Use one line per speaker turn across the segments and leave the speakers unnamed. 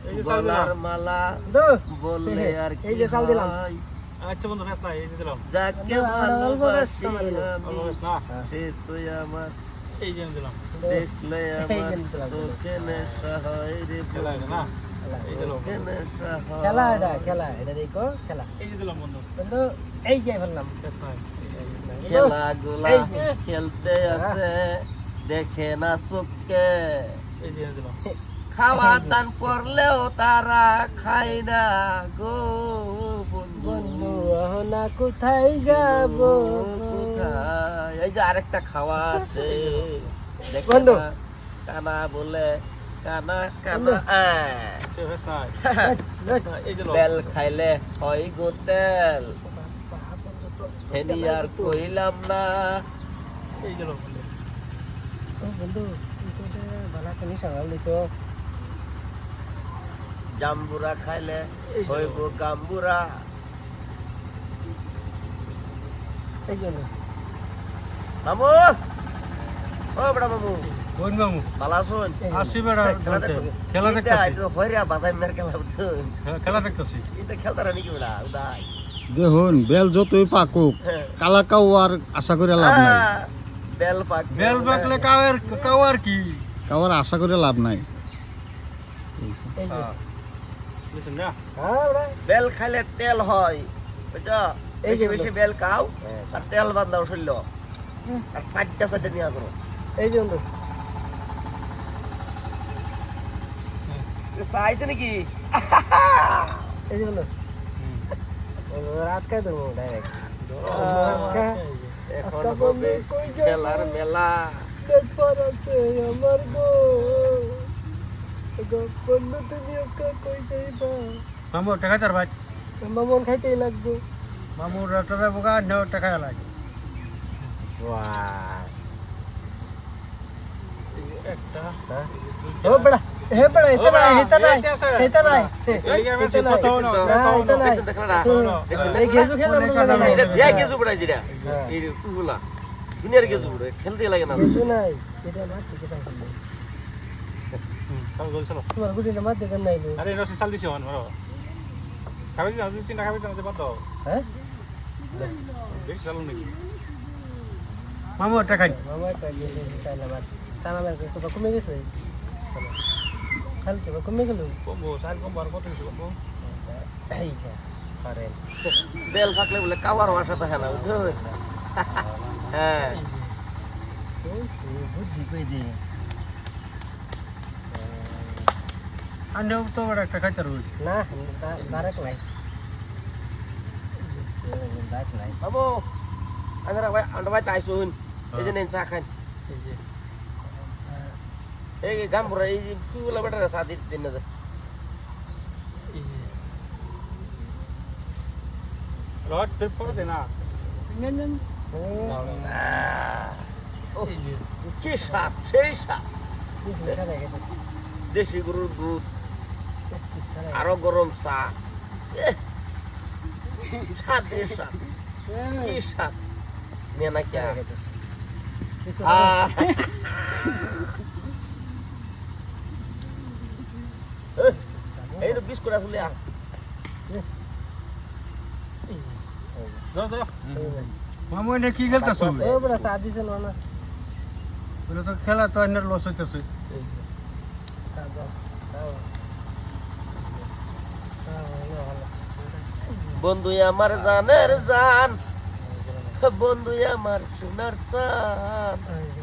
গলার মালা বললে আর কি হয়
আচ্ছা বন্ধু নেস না এই যে দিলাম
যাকে ভালোবাসি আমি সে তুই আমার
এই যে দিলাম
দেখলে আমার চোখে নেশা হয় রে
খেলা না এই দিলাম
খেলা এটা দেখো খেলা
এই যে দিলাম বন্ধু
বন্ধু এই যে ফেললাম
নেস না
খেলাগুলা খেলতে আছে দেখে না চোখে
এই যে দিলাম
খাওয়া দান করলেও তারা খায় না গো
বন্ধু না কোথায় যাব
কোথায় এই যে আরেকটা খাওয়া আছে দেখো
বন্ধু।
না, কানা বলে কানা
বন্ধু।
কানা
নেস না এই যে
বেল খাইলে হয় গো তেল হেনি আর কইলাম না
এই যে বন্ধু
বন্ধু তুই তো ভালো একটা নিশা লইছো
জাম্বুরা খাইলে হইব গাম্বুরা
এই জন্য
মামু ও বড় মামু
বোন মামু
বালা শুন
আসি বেড়া খেলা দেখতেছি
হইরা বাদাই মের খেলা বুঝুন
খেলা দেখতেছি
এটা খেলতারা নাকি বড়া উদাই
দেখুন বেল যতই পাকুক কালাকাও আর আশা করে লাভ নাই
বেল পাক
বেল বাকলে কাওয়ার কি
কাওয়ার আশা করে লাভ নাই
এই যে
বুঝছেন না
হ্যাঁ বড়
বেল খাইলে তেল হয় বুঝছো
এই যে
বেশি বেশি বেল খাও আর তেল বান্ধাও শরীর আর সাইডটা নিয়া করো
এই যে বন্ধু
চাইছে নাকি
এই যে বন্ধু রাত খাই দেবো ডাইরেক্ট
এখন হবে খেলার মেলা
দেখবার আছে আমার গো বন্ধু তুমি আজকে কই যাইবা
মামু টাকা তার ভাই
মামন খাইতেই লাগবে
মামুর টাকা বোকা নেও টাকা লাগে একটা
ও বড়া হে বড়া এটা নাই এটা নাই এই গেজু খেলা
এটা যে গেজু পড়াই যেটা এই টুগুলা দুনিয়ার গেজু পড়ে খেলতে লাগে না
গেজু নাই এটা মার থেকে পাই
সব গোল চলো
তোমার গুডিটা মার থেকে নাই
আরে রসি চাল দিছি হন মারো খাবি না দুই তিনটা খাবি না বাদ দাও
হ্যাঁ
বেশ চালু নাকি মামু টাকা
মামা কা গেজু চাইলা মার সানা মার তো কমে গেছে খাল তো কমে গেল
কমবো সাল কমবো আর কত কিছু কমবো
এই যা পারেন
বেল ফাকলে বলে কাওয়ার ভাষা থাকে না বুঝছো হ্যাঁ
ওই সে বুদ্ধি কই দে
আন্ডাও তো বড় একটা খাইতে রই
না ডাইরেক্ট নাই ডাইরেক্ট নাই
বাবু আন্ডা ভাই তাইছুন এই যে নেন চা খান
এই যে
এই গামপুরা এই টুগুলা বেটারা চা দিন না
রড ট্রিপ করে দে না এই যে
কি স্বাদ সেই স্বাদ
কিছু ছাড়া গেছে
দেশি গরুর দুধ
বিস্কুট ছাড়া
আরো গরম চা স্বাদ রে স্বাদ কি স্বাদ নিয়ে না কি
গেছে কিছু
এই তো বিস্কুট আসলে
দাও দাও মামু এনে কি খেলতাছ
এ বড় চা দিছে না
বলে তো খেলা তো এনে লস হইতাছে
চা দাও
বন্ধু আমার জানের জান বন্ধু আমার সোনার সান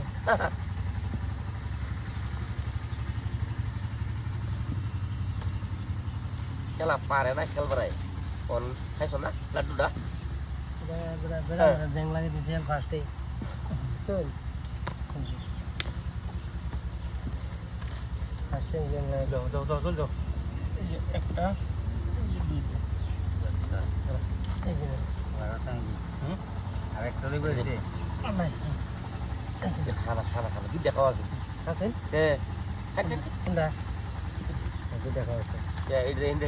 খেলা পারে না খেলবারাই কোন খাইছো না লাড্ডুটা
জেং লাগে দিছে ফার্স্টে চল ফার্স্টে জেং লাগে
দাও দাও দাও চল যাও এই যে একটা এই যে দুইটা
এই যে
আর একটা লইবে দিতে
নাই
খানা খানা খানা দুধ দেখাও আছে
আছে
কে
কোনটা দুইটা খাওয়া
এই